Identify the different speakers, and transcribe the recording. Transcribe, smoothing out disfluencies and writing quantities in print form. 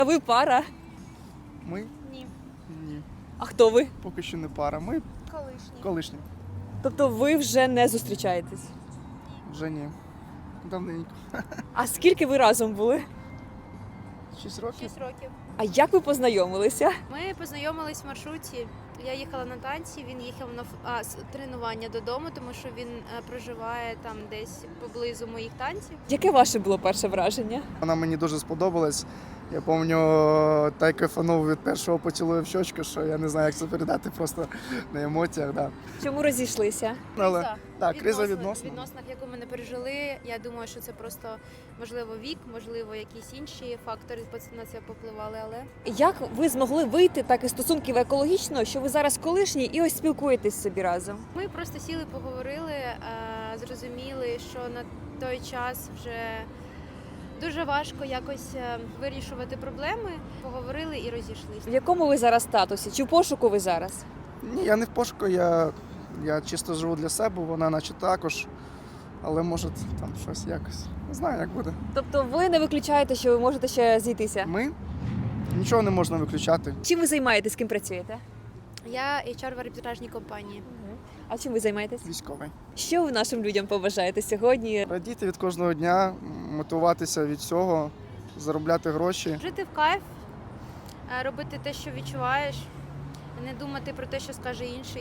Speaker 1: А ви пара?
Speaker 2: Ми?
Speaker 3: Ні.
Speaker 2: Ні.
Speaker 1: А хто ви?
Speaker 2: Поки що не пара. Ми
Speaker 3: Колишній.
Speaker 2: колишні.
Speaker 1: Тобто ви вже не зустрічаєтесь?
Speaker 2: Вже ні. Давненько.
Speaker 1: А скільки ви разом були?
Speaker 2: 6 років.
Speaker 3: 6 років.
Speaker 1: А як ви познайомилися?
Speaker 3: Ми познайомились в маршруті. Я їхала на танці, він їхав на тренування додому, тому що він проживає там десь поблизу моїх танців.
Speaker 1: Яке ваше було перше враження?
Speaker 2: Вона мені дуже сподобалась. Я пам'ятаю, та й кайфанув від першого поцілую в щочку, що я не знаю, як це передати просто на емоціях. Да.
Speaker 1: Чому розійшлися?
Speaker 2: Але так, криза
Speaker 3: В
Speaker 2: відносно.
Speaker 3: відносинах, яку ми не пережили. Я думаю, що це просто, можливо, вік, можливо, якісь інші фактори на це попливали, але
Speaker 1: Як ви змогли вийти так із стосунків екологічно, що ви зараз колишні і ось спілкуєтесь собі разом?
Speaker 3: ми просто сіли, поговорили, зрозуміли, що на той час вже дуже важко якось вирішувати проблеми. Поговорили і розійшлися.
Speaker 1: В якому ви зараз статусі? Чи в пошуку ви зараз?
Speaker 2: Ні, я не в пошуку, я чисто живу для себе, вона наче також. Але може там щось якось. Не знаю, як буде.
Speaker 1: Тобто ви не виключаєте, що ви можете ще зійтися?
Speaker 2: Ми нічого не можна виключати.
Speaker 1: Чим ви займаєтесь, з ким працюєте?
Speaker 3: Я HR в арбітражній компанії.
Speaker 1: А чим ви займаєтесь?
Speaker 2: Військовий.
Speaker 1: Що ви нашим людям побажаєте сьогодні?
Speaker 2: Радіти від кожного дня, мотивуватися від цього, заробляти гроші.
Speaker 3: Жити в кайф, робити те, що відчуваєш, не думати про те, що скаже інший.